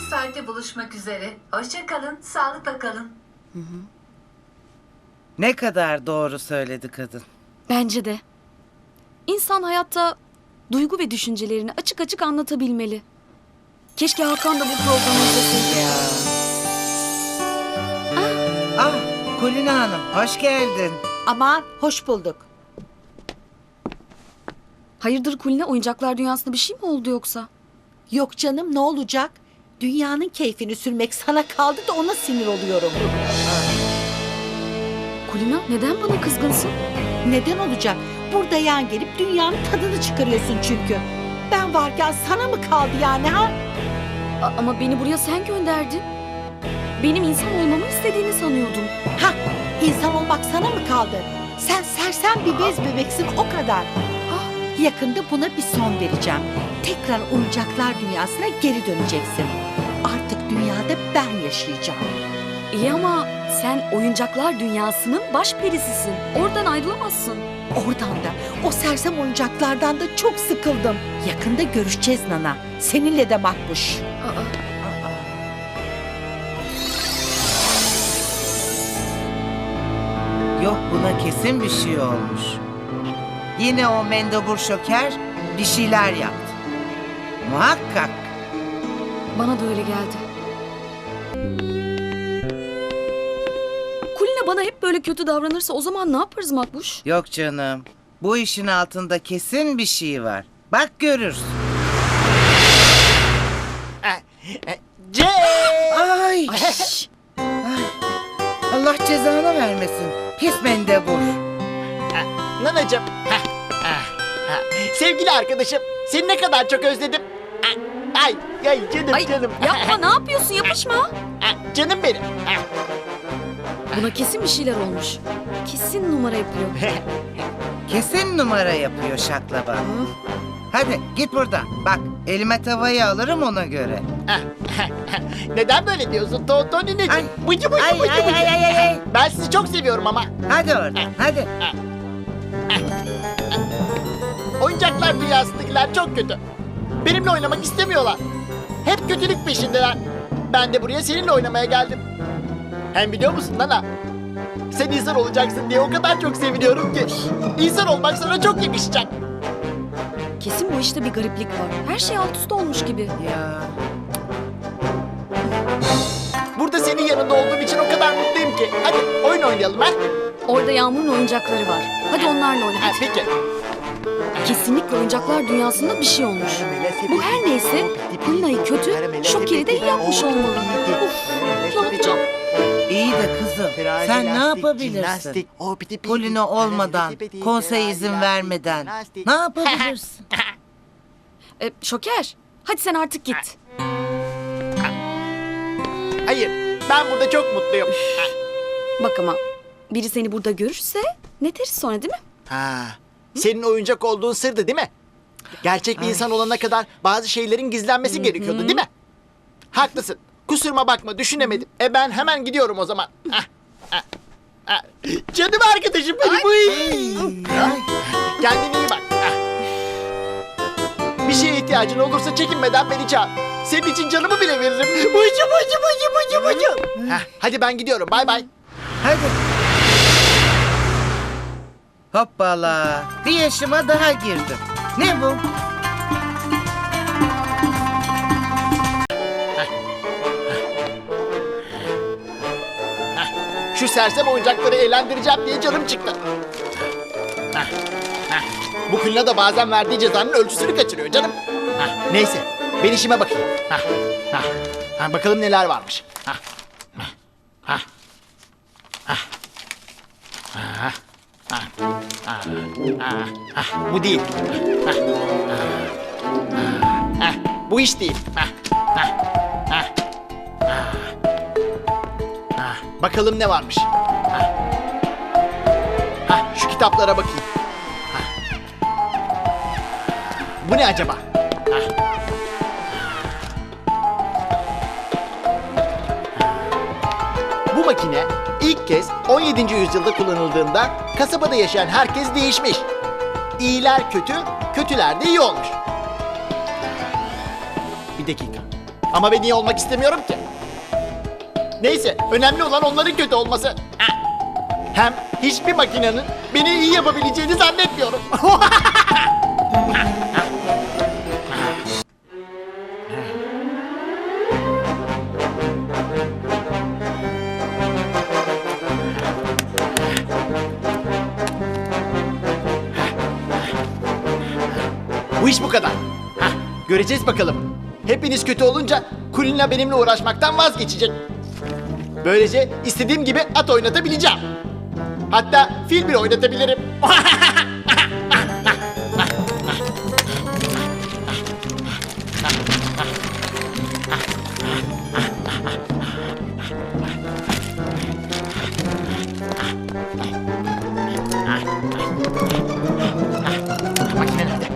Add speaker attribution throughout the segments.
Speaker 1: saatte buluşmak üzere. Hoşça kalın, sağlıkla kalın.
Speaker 2: Ne kadar doğru söyledi kadın.
Speaker 3: Bence de. İnsan hayatta duygu ve düşüncelerini açık açık anlatabilmeli. Keşke Hakan da bu programı izleseydi.
Speaker 2: Ya. Ah, Kulina Hanım hoş geldin.
Speaker 4: Aman hoş bulduk.
Speaker 3: Hayırdır Kulina, oyuncaklar dünyasında bir şey mi oldu yoksa?
Speaker 4: Yok canım, ne olacak? Dünyanın keyfini sürmek sana kaldı da ona sinir oluyorum.
Speaker 3: Kulina, neden bana kızgınsın?
Speaker 4: Neden olacak? Burada yan gelip dünyanın tadını çıkarıyorsun çünkü. Ben varken sana mı kaldı yani ha?
Speaker 3: Ama beni buraya sen gönderdin. Benim insan olmamı istediğini sanıyordum.
Speaker 4: Ha, insan olmak sana mı kaldı? Sen sersem bir bez bebeksin, o kadar. Yakında buna bir son vereceğim. Tekrar oyuncaklar dünyasına geri döneceksin. Artık dünyada ben yaşayacağım.
Speaker 3: İyi ama sen oyuncaklar dünyasının baş perisisin. Oradan ayrılamazsın.
Speaker 4: Oradan da, o sersem oyuncaklardan da çok sıkıldım. Yakında görüşeceğiz Nana. Seninle de Makbuş.
Speaker 2: Yok, buna kesin bir şey olmuş. Yine o mendebur şoker bir şeyler yaptı. Muhakkak.
Speaker 3: Bana da öyle geldi. Kulina bana hep böyle kötü davranırsa o zaman ne yaparız Makbuş?
Speaker 2: Yok canım. Bu işin altında kesin bir şey var. Bak görürsün. Ay. Ay. Allah cezanı vermesin. Pis mendebur.
Speaker 5: Nanacığım. Sevgili arkadaşım, seni ne kadar çok özledim. Ay, ay canım
Speaker 3: Ay
Speaker 5: canım.
Speaker 3: yapma, ne yapıyorsun, yapışma.
Speaker 5: Canım benim.
Speaker 3: Buna kesin bir şeyler olmuş. Kesin numara yapıyor.
Speaker 2: Kesin numara yapıyor şaklaba. Hadi git buradan. Bak elime tavayı alırım ona göre.
Speaker 5: Neden böyle diyorsun Tonineciğim?
Speaker 2: Ay.
Speaker 5: Bıcı bıcı
Speaker 2: Ay,
Speaker 5: bıcı
Speaker 2: ay,
Speaker 5: bıcı.
Speaker 2: ay, ay, ay.
Speaker 5: Ben sizi çok seviyorum ama.
Speaker 2: Hadi oradan hadi.
Speaker 5: Oyuncaklar dünyasındakiler çok kötü. Benimle oynamak istemiyorlar. Hep kötülük peşindeler. Ben de buraya seninle oynamaya geldim. Hem biliyor musun Nana? Sen insan olacaksın diye o kadar çok seviniyorum ki. İnsan olmak sana çok yakışacak.
Speaker 3: Kesin bu işte bir gariplik var. Her şey alt üst olmuş gibi.
Speaker 2: Ya.
Speaker 5: Burada senin yanında olduğum için o kadar mutluyum ki. Hadi oyun oynayalım ha.
Speaker 3: Orada Yağmur'un oyuncakları var. Hadi onlarla oyna.
Speaker 5: Ha, peki.
Speaker 3: Kesinlikle oyuncaklar dünyasında bir şey olmuş. Bu her neyse Kulina'yı kötü, Şoker'i de iyi yapmış olmalı. Uf, ne yapacağım?
Speaker 2: İyi de kızım sen ne yapabilirsin? Polino olmadan, konsey izin vermeden ne yapabilirsin?
Speaker 3: Şoker, hadi sen artık git.
Speaker 5: Hayır, ben burada çok mutluyum.
Speaker 3: Bak ama biri seni burada görürse ne deriz sonra, değil mi?
Speaker 5: Ha, senin oyuncak olduğun sırdı değil mi? Gerçek bir insan olana kadar bazı şeylerin gizlenmesi gerekiyordu değil mi? Haklısın. Kusuruma bakma, düşünemedim. Ben hemen gidiyorum o zaman. Canım arkadaşım benim. Kendine iyi bak. Bir şeye ihtiyacın olursa çekinmeden beni çağır. Senin için canımı bile veririm. Bıcı. Hadi ben gidiyorum. Bay bay.
Speaker 2: Hadi. Hoppala. Bir yaşıma daha girdim. Ne bu?
Speaker 5: Şu sersem oyuncakları eğlendireceğim diye canım çıktı. Bu Kulina da bazen verdiği cezanın ölçüsünü kaçırıyor canım. Neyse, ben işime bakayım. Bakalım neler varmış. Bu değil. Bu iş değil. Bakalım ne varmış. Şu kitaplara bakayım. Bu ne acaba? Bu makine ilk kez 17. yüzyılda kullanıldığında kasabada yaşayan herkes değişmiş. İyiler kötü, kötüler de iyi olmuş. Bir dakika. Ama ben iyi olmak istemiyorum ki. Neyse, önemli olan onların kötü olması. Hem hiçbir makinenin beni iyi yapabileceğini zannetmiyorum. Bu iş bu kadar. Hah, göreceğiz bakalım. Hepiniz kötü olunca Kulina benimle uğraşmaktan vazgeçecek. Böylece istediğim gibi at oynatabileceğim. Hatta fil bile oynatabilirim. Makine nerede?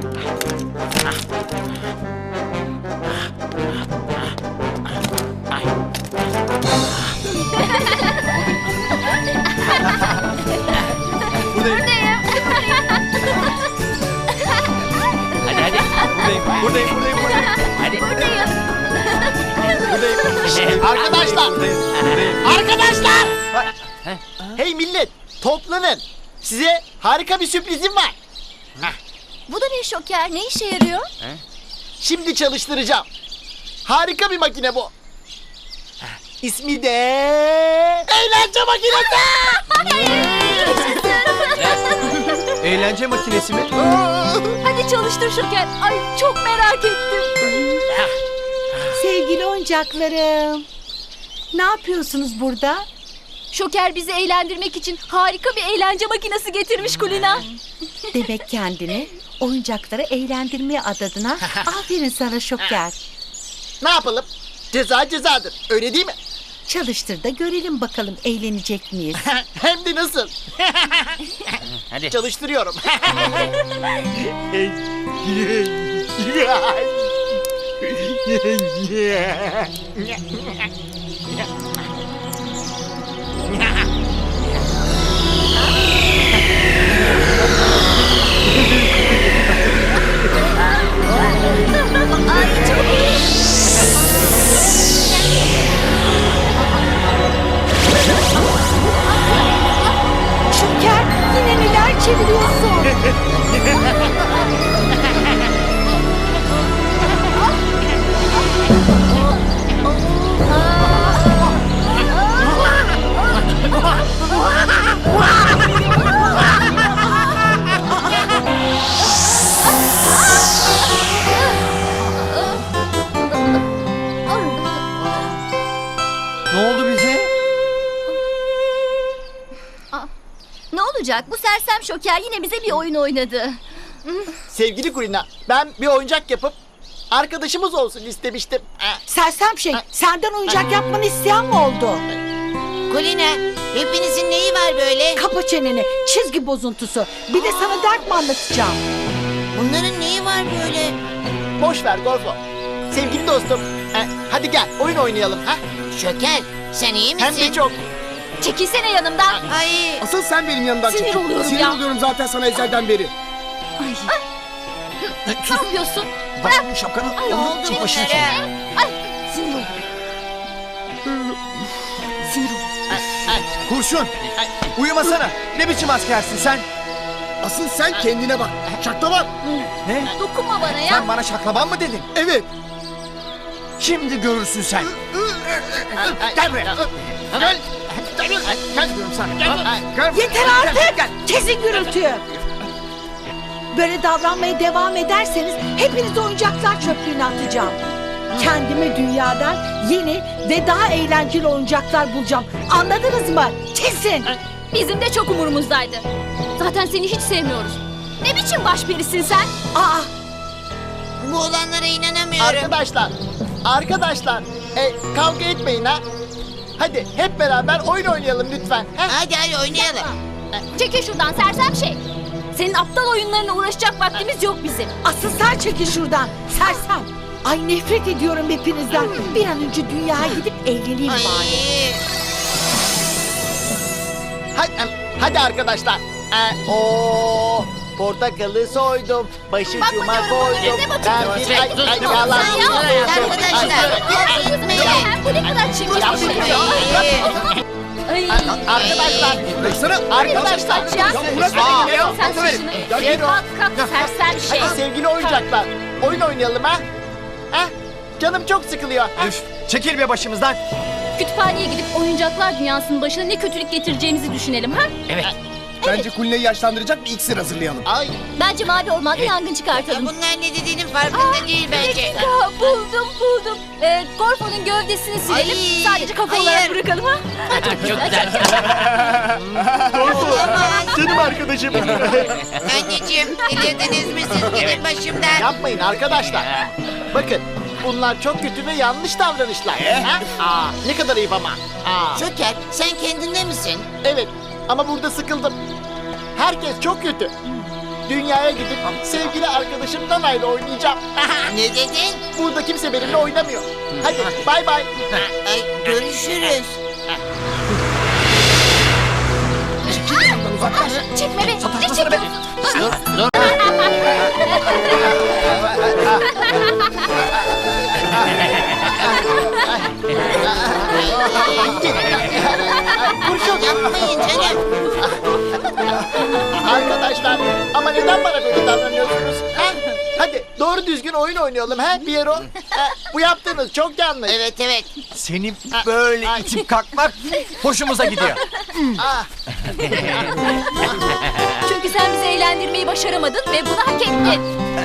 Speaker 5: Hadi hadi. Buradayım. Hadi. Arkadaşlar. Arkadaşlar. Hey millet, toplanın. Size harika bir sürprizim var.
Speaker 3: Bu da ne Şoker? Ne işe yarıyor?
Speaker 5: Şimdi çalıştıracağım. Harika bir makine bu. İsmi de eğlence makinesi.
Speaker 6: Eğlence makinesi mi?
Speaker 3: Hadi çalıştır Şoker. Ay çok merak ettim.
Speaker 4: Sevgili oyuncaklarım. Ne yapıyorsunuz burada?
Speaker 3: Şoker bizi eğlendirmek için harika bir eğlence makinesi getirmiş Kulina.
Speaker 4: Demek kendini oyuncakları eğlendirmeye adadın ha? Aferin sana Şoker.
Speaker 5: Ne yapalım? Ceza cezadır. Öyle değil mi?
Speaker 4: Çalıştır da görelim bakalım eğlenecek miyiz?
Speaker 5: Hem de nasıl?
Speaker 6: Hadi.
Speaker 5: Çalıştırıyorum.
Speaker 3: Ay çok iyi.
Speaker 4: Şoker yine neler çeviriyorsun?
Speaker 6: Ne oldu bize?
Speaker 3: Ne olacak? Bu sersem Şoker yine bize bir oyun oynadı.
Speaker 5: Sevgili Kulina, ben bir oyuncak yapıp arkadaşımız olsun istemiştim.
Speaker 4: Sersem şey, senden oyuncak yapmanı isteyen mi oldu?
Speaker 7: Kulina, hepinizin neyi var böyle?
Speaker 4: Kapa çeneni, çizgi bozuntusu. Bir de sana dert mi anlatacağım?
Speaker 7: Bunların neyi var böyle?
Speaker 5: Boş ver Gorfo. Sevgili dostum, hadi gel oyun oynayalım. Ha?
Speaker 7: Şoker, sen iyi
Speaker 5: Hem
Speaker 7: misin?
Speaker 5: de çok.
Speaker 3: Çekilsene yanımdan.
Speaker 7: Ay,
Speaker 6: Asıl sen benim yanımdan
Speaker 3: Sinir
Speaker 6: çekil.
Speaker 3: oluyorum
Speaker 6: Sinir
Speaker 3: ya.
Speaker 6: oluyorum zaten sana ezelden beri.
Speaker 3: Ne yapıyorsun?
Speaker 6: Bak bu şapkanı.
Speaker 7: ne oldu
Speaker 6: Çık başını
Speaker 7: bunlara?
Speaker 3: Ay sinir oldum. Sinir oldum.
Speaker 6: Kurşun. Uyumasana. Ne biçim askersin sen? Asıl sen kendine bak. Şaklaban. Ne?
Speaker 3: Dokunma bana ya.
Speaker 6: Sen bana şaklaban mı dedin? Evet. Şimdi görürsün sen. Gel buraya. Gel. Gel diyorum sana. Gel.
Speaker 4: Yeter artık! Kesin gürültüyü! Böyle davranmaya devam ederseniz hepiniz oyuncaklar çöplüğüne atacağım. Kendime dünyadan yeni ve daha eğlenceli oyuncaklar bulacağım. Anladınız mı? Kesin!
Speaker 3: Bizim de çok umurumuzdaydı. Zaten seni hiç sevmiyoruz. Ne biçim başperisin sen?
Speaker 4: Aa!
Speaker 7: bu olanlara inanamıyorum.
Speaker 5: Arkadaşlar, kavga etmeyin ha. Hadi hep beraber oyun oynayalım lütfen. Ha?
Speaker 7: Hadi oynayalım.
Speaker 3: Çekil şuradan sersem şey. Senin aptal oyunlarına uğraşacak vaktimiz yok bizim.
Speaker 4: Asıl sen çekil şuradan! Sersem! Ay nefret ediyorum hepinizden. Bir an önce dünyaya gidip eğleneyim
Speaker 7: Ay.
Speaker 4: bari.
Speaker 5: Hadi arkadaşlar. Portakalı soydum, başucuma koydum. Ben bir yalan
Speaker 7: Arkadaşlar gitmeyin.
Speaker 3: Bu ne kadar çirkin bir şey. Ay.
Speaker 5: Arkadaşlar, arkadaşlar.
Speaker 3: Sen saçını. Kalk kalk sersem şey.
Speaker 5: Hadi sevgili oyuncaklar, oyun oynayalım ha. Ha? Canım çok sıkılıyor. Ha?
Speaker 6: Üf, çekil be başımızdan.
Speaker 3: Kütüphaneye gidip oyuncaklar dünyasının başına ne kötülük getireceğimizi düşünelim ha?
Speaker 6: Bence Kulina'yı yaşlandıracak bir iksir hazırlayalım.
Speaker 5: Ay,
Speaker 3: Bence mavi ormanda yangın çıkartalım.
Speaker 7: Bunlar ne dediğinin farkında değil bence.
Speaker 3: Ya, buldum. Gorfo'nun gövdesini silelim.
Speaker 7: Ay,
Speaker 3: Sadece kafa olarak
Speaker 7: hayır.
Speaker 3: bırakalım ha.
Speaker 5: canım arkadaşım.
Speaker 7: Anneciğim delirdiniz mi siz? Gidin başımdan.
Speaker 5: Yapmayın arkadaşlar. Bakın, bunlar çok kötü ve yanlış davranışlar. Ha? Ne kadar ayıp ama.
Speaker 7: Şoker sen kendinde misin?
Speaker 5: Evet, ama burada sıkıldım. Herkes çok kötü. Dünyaya gidip sevgili arkadaşım Nana ile oynayacağım.
Speaker 7: Ne dedin?
Speaker 5: Burada kimse benimle oynamıyor. Hadi bay bay.
Speaker 7: Ay, görüşürüz.
Speaker 3: Çekme be. Ne çekiyorsun?
Speaker 5: Kurşun.
Speaker 7: Yapmayın canım.
Speaker 5: Arkadaşlar, ama neden bana böyle davranıyorsunuz? Ha? Hadi doğru düzgün oyun oynayalım ha Piero. Bu yaptığınız çok yanlış.
Speaker 7: Evet.
Speaker 6: Senin böyle itip kalkmak hoşumuza gidiyor.
Speaker 3: Çünkü sen bizi eğlendirmeyi başaramadın ve bunu hak ettin.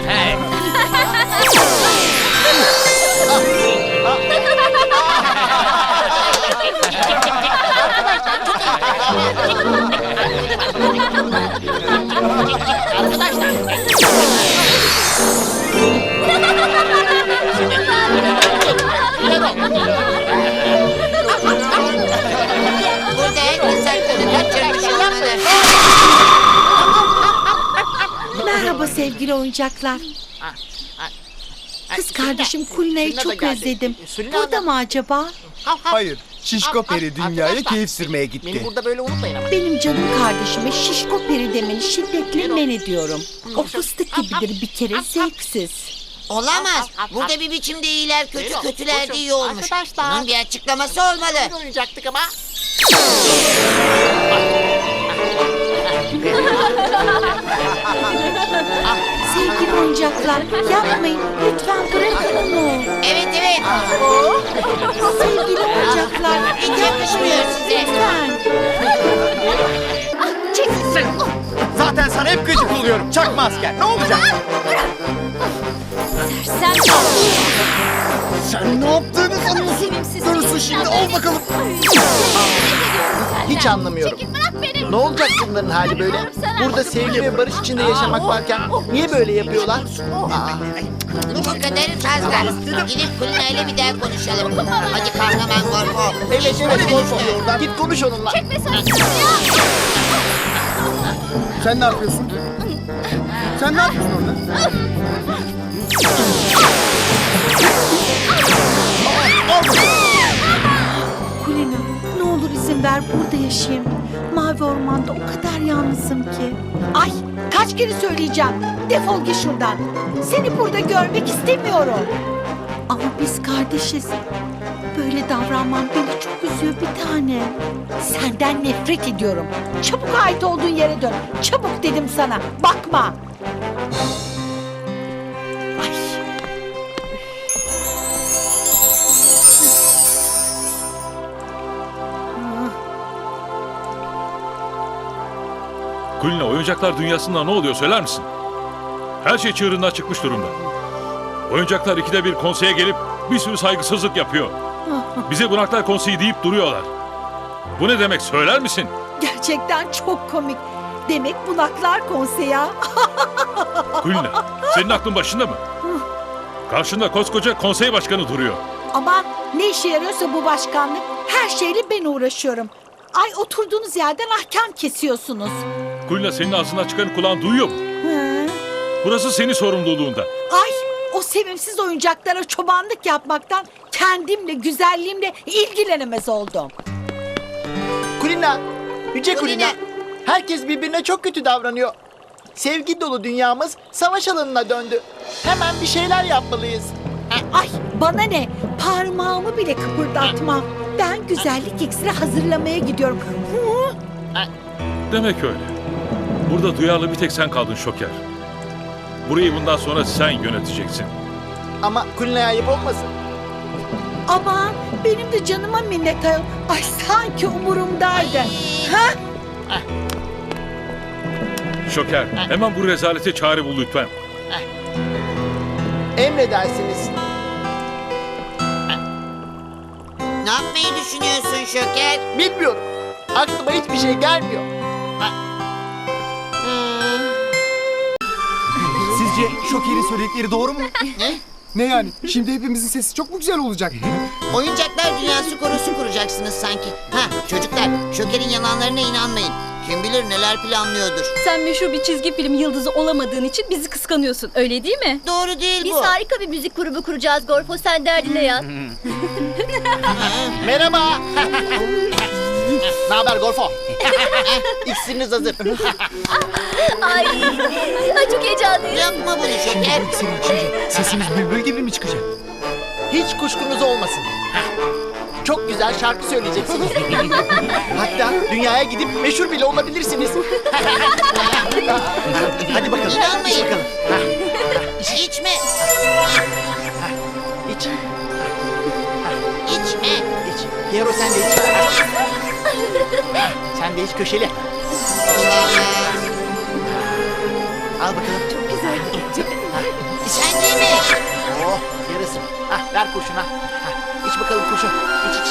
Speaker 7: Burada herkes aklını kaçırmış olmalı.
Speaker 4: Merhaba sevgili oyuncaklar. Kız kardeşim Kulina'yı
Speaker 5: Sulina da
Speaker 4: çok
Speaker 5: geldi.
Speaker 4: özledim.
Speaker 5: Sulina
Speaker 4: Burada
Speaker 5: Hanım.
Speaker 4: mı acaba?
Speaker 6: Hayır, Şişko Peri dünyaya
Speaker 5: Arkadaşlar,
Speaker 6: keyif sürmeye
Speaker 5: Beni
Speaker 6: gitti.
Speaker 5: burada böyle unutmayın ama.
Speaker 4: Benim canım kardeşime şişko peri demeni şiddetle men ediyorum. O fıstık gibidir bir kere zevksiz.
Speaker 7: Olamaz. Burada bir biçimde iyiler kötü,
Speaker 5: Buyurun,
Speaker 7: kötüler de
Speaker 5: buyurun.
Speaker 7: iyi olmuş.
Speaker 5: Arkadaşlar.
Speaker 7: Bunun bir açıklaması olmalı.
Speaker 5: Oyun oynayacaktık ama.
Speaker 4: Sevgili oyuncaklar yapmayın lütfen bırakın onu.
Speaker 7: Evet.
Speaker 4: Sevgili oyuncaklar
Speaker 7: Hiç yakışmıyor size.
Speaker 4: lütfen.
Speaker 6: Zaten sana hep gıcık oluyorum. Çakma asker. Ne olacak?
Speaker 3: Sen
Speaker 6: Sen ne yaptığını sanıyorsun?
Speaker 3: sevimsiz.
Speaker 6: Görürsün şimdi. Al bakalım.
Speaker 5: Hiç anlamıyorum.
Speaker 3: Bırak beni.
Speaker 5: Ne olacak bunların hali böyle? Burada sevgi ve barış içinde yaşamak varken niye böyle yapıyorlar?
Speaker 7: Bu kadar fazla. Gidip Kulina ile bir daha konuşalım. Hadi kahraman Gorfo.
Speaker 5: Evet Gorfo. Git konuş onunla.
Speaker 6: Sen ne yapıyorsun? Sen ne yapıyorsun orada?
Speaker 4: Kulina ne olur izin ver burada yaşayayım. Mavi ormanda o kadar yalnızım ki. Ay kaç kere söyleyeceğim. Defol git şuradan. Seni burada görmek istemiyorum. Ama biz kardeşiz. Böyle davranman beni çok üzüyor bir tane. Senden nefret ediyorum. Çabuk ait olduğun yere dön. Çabuk dedim sana. Bakma. Ay.
Speaker 8: Kulina, oyuncaklar dünyasında ne oluyor söyler misin? Her şey çığırından çıkmış durumda. Oyuncaklar ikide bir konseye gelip bir sürü saygısızlık yapıyor. Bize Bunaklar Konseyi deyip duruyorlar. Bu ne demek söyler misin?
Speaker 4: Gerçekten çok komik. Demek Bunaklar Konseyi ha?
Speaker 8: Kulina, senin aklın başında mı? Karşında koskoca konsey başkanı duruyor.
Speaker 4: Ama ne işe yarıyorsa bu başkanlık, her şeyle ben uğraşıyorum. Ay oturduğunuz yerden ahkam kesiyorsunuz.
Speaker 8: Kulina, senin ağzından çıkanı kulağın duyuyor mu?
Speaker 4: Hı?
Speaker 8: Burası senin sorumluluğunda.
Speaker 4: Ay o sevimsiz oyuncaklara çobanlık yapmaktan kendimle, güzelliğimle ilgilenemez oldum.
Speaker 5: Kulina, Yüce Kulina. Herkes birbirine çok kötü davranıyor. Sevgi dolu dünyamız savaş alanına döndü. Hemen bir şeyler yapmalıyız.
Speaker 4: Ay bana ne? Parmağımı bile kıpırdatmam. Ben güzellik iksiri hazırlamaya gidiyorum. Hı?
Speaker 8: Demek öyle. Burada duyarlı bir tek sen kaldın Şoker. Burayı bundan sonra sen yöneteceksin.
Speaker 5: Ama Kulina'ya ayıp olmasın.
Speaker 4: Aman benim de canıma minnet ayol. Ay sanki umurumdaydı. Ha?
Speaker 8: Şoker, hemen bu rezalete çare bul lütfen.
Speaker 5: Emredersiniz.
Speaker 7: Ne yapmayı düşünüyorsun Şoker?
Speaker 5: Bilmiyorum. Aklıma hiçbir şey gelmiyor.
Speaker 6: Sizce Şoker'in söyledikleri doğru mu?
Speaker 7: Ne?
Speaker 6: Ne yani? Şimdi hepimizin sesi çok mu güzel olacak?
Speaker 7: Oyuncaklar dünyası korosu kuracaksınız sanki. Ha çocuklar, Şoker'in yalanlarına inanmayın. Kim bilir neler planlıyordur.
Speaker 3: Sen meşhur bir çizgi film yıldızı olamadığın için bizi kıskanıyorsun. Öyle değil mi?
Speaker 7: Doğru değil
Speaker 3: Biz
Speaker 7: bu.
Speaker 3: harika bir müzik grubu kuracağız Gorfo. Sen derdine yat.
Speaker 5: Merhaba. Ne haber Gorfo? İksiriniz hazır.
Speaker 3: Ay çok heyecanlıyım.
Speaker 7: Yapma bunu Şoker.
Speaker 6: Senin içince sesimiz bülbül gibi mi çıkacak?
Speaker 5: Hiç kuşkunuz olmasın. Çok güzel şarkı söyleyeceksiniz. Hatta dünyaya gidip meşhur bile olabilirsiniz. Hadi bakalım.
Speaker 7: İnanmayın.
Speaker 5: İç bakalım.
Speaker 7: İçme.
Speaker 5: İç.
Speaker 7: İçme.
Speaker 5: İç. Hero sen de iç. Sen de iç köşeli. Al bakalım. Çok güzel.
Speaker 7: Sen de mi?
Speaker 5: Oh yarısı. Ver kurşuna. İç bakalım kurşun. İç.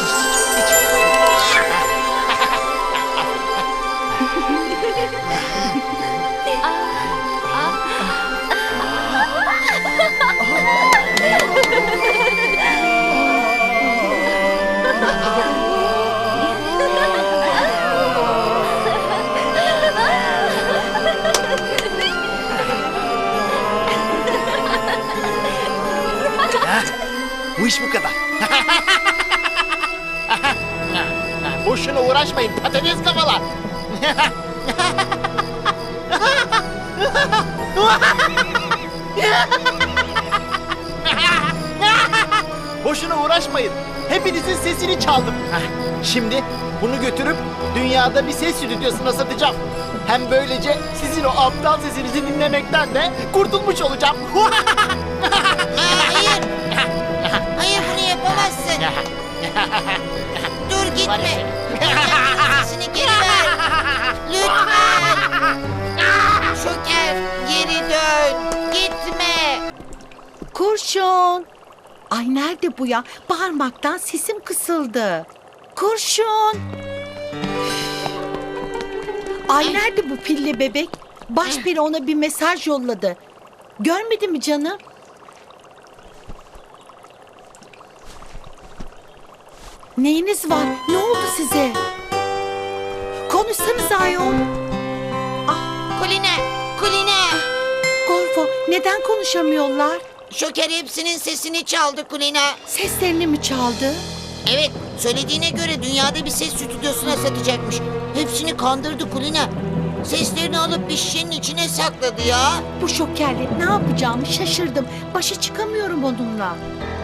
Speaker 5: Bu iş bu kadar. Boşuna uğraşmayın patates kafalar. Boşuna uğraşmayın. Hepinizin sesini çaldım. Şimdi bunu götürüp dünyada bir ses stüdyosuna satacağım. Hem böylece sizin o aptal sesinizi dinlemekten de kurtulmuş olacağım.
Speaker 7: Hayır. Hayır bunu yapamazsın. Dur gitme. Sesini geri ver. Lütfen. Şoker geri dön. Gitme.
Speaker 4: Kurşun. Ay nerede bu ya? Bağırmaktan sesim kısıldı. Kurşun. Ay nerede bu pilli bebek? Başperi ona bir mesaj yolladı. Görmedi mi canım? Neyiniz var? Ne oldu size? Konuşsanız ayol.
Speaker 7: Kuline. Kuline.
Speaker 4: Gorfo neden konuşamıyorlar?
Speaker 7: Şoker hepsinin sesini çaldı Kulina.
Speaker 4: Seslerini mi çaldı?
Speaker 7: Evet, söylediğine göre dünyada bir ses stüdyosuna satacakmış. Hepsini kandırdı Kulina. Seslerini alıp bir şişenin içine sakladı ya.
Speaker 4: Bu şokerle ne yapacağımı şaşırdım. Başa çıkamıyorum onunla.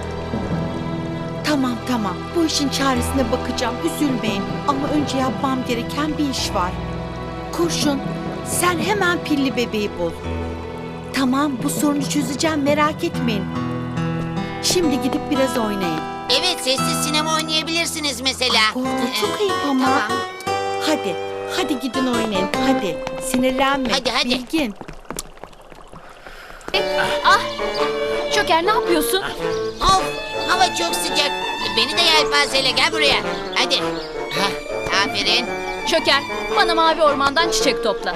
Speaker 4: Tamam. Bu işin çaresine bakacağım. Üzülmeyin. Ama önce yapmam gereken bir iş var. Kurşun, sen hemen pilli bebeği bul. Tamam, bu sorunu çözeceğim. Merak etmeyin. Şimdi gidip biraz oynayın.
Speaker 7: Evet, sessiz sinema oynayabilirsiniz mesela.
Speaker 4: Gorfo çok ayıp ama.
Speaker 7: Tamam.
Speaker 4: Hadi gidin oynayın. Hadi. Sinirlenme.
Speaker 7: Hadi.
Speaker 4: Bilgin.
Speaker 3: Şoker ne yapıyorsun?
Speaker 7: Of, hava çok sıcak. Beni de yelpazeyle gel buraya. Hadi. Hah, aferin.
Speaker 3: Şoker bana mavi ormandan çiçek topla.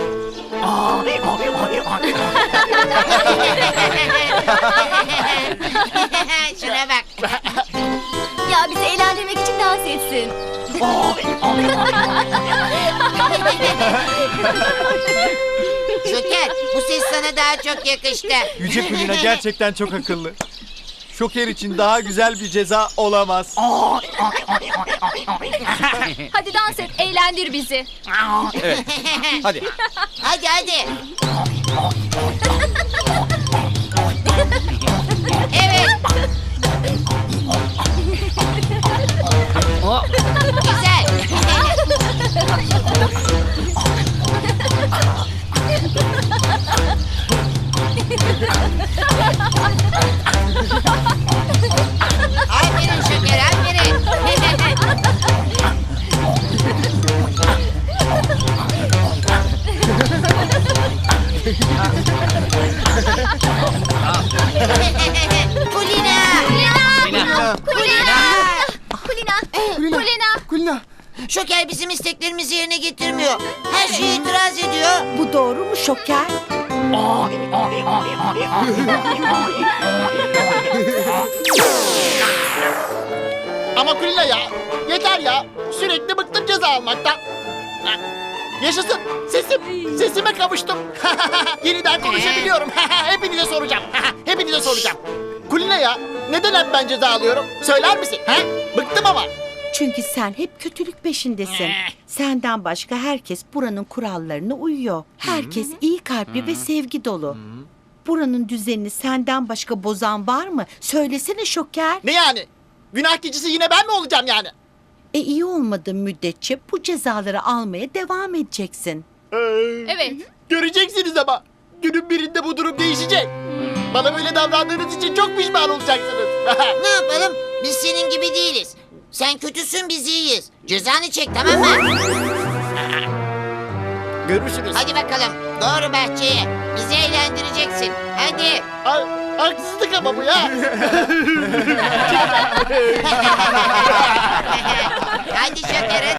Speaker 7: Şuna bak.
Speaker 3: Ya bizi eğlendirmek için dans etsin.
Speaker 7: Şoker, bu ses sana daha çok yakıştı.
Speaker 6: Yüce Kulina gerçekten çok akıllı. Şoker için daha güzel bir ceza olamaz.
Speaker 3: Hadi dans et, eğlendir bizi.
Speaker 6: Evet. Hadi.
Speaker 7: Hadi hadi. Evet. Güzel. Aferin Şoker, aferin. Kulina!
Speaker 6: Kulina.
Speaker 7: Şoker bizim isteklerimizi yerine getirmiyor. Her şeye itiraz ediyor.
Speaker 4: Bu doğru mu Şoker?
Speaker 5: Ama Kulina ya. Yeter ya. Sürekli bıktım ceza almaktan. Yaşasın. Sesime kavuştum. Yeniden konuşabiliyorum. Hepinize soracağım. Hepinize soracağım. Kulina ya. Neden hep ben ceza alıyorum? Söyler misin? Bıktım ama.
Speaker 4: Çünkü sen hep kötülük peşindesin. Senden başka herkes buranın kurallarına uyuyor. Herkes iyi kalpli ve sevgi dolu. Buranın düzenini senden başka bozan var mı? Söylesene Şoker.
Speaker 5: Ne yani? Günah keçisi yine ben mi olacağım yani?
Speaker 4: İyi olmadığın müddetçe bu cezaları almaya devam edeceksin.
Speaker 3: Evet.
Speaker 5: Göreceksiniz ama. Günün birinde bu durum değişecek. Bana böyle davrandığınız için çok pişman olacaksınız.
Speaker 7: Ne yapalım? Biz senin gibi değiliz. Sen kötüsün, biz iyiyiz. Cezanı çek, tamam mı?
Speaker 5: Görüşürüz.
Speaker 7: Hadi bakalım. Doğru bahçeye. Bizi eğlendireceksin. Hadi.
Speaker 5: Haksızlık ama bu ya.
Speaker 7: Hadi Şoker, hadi.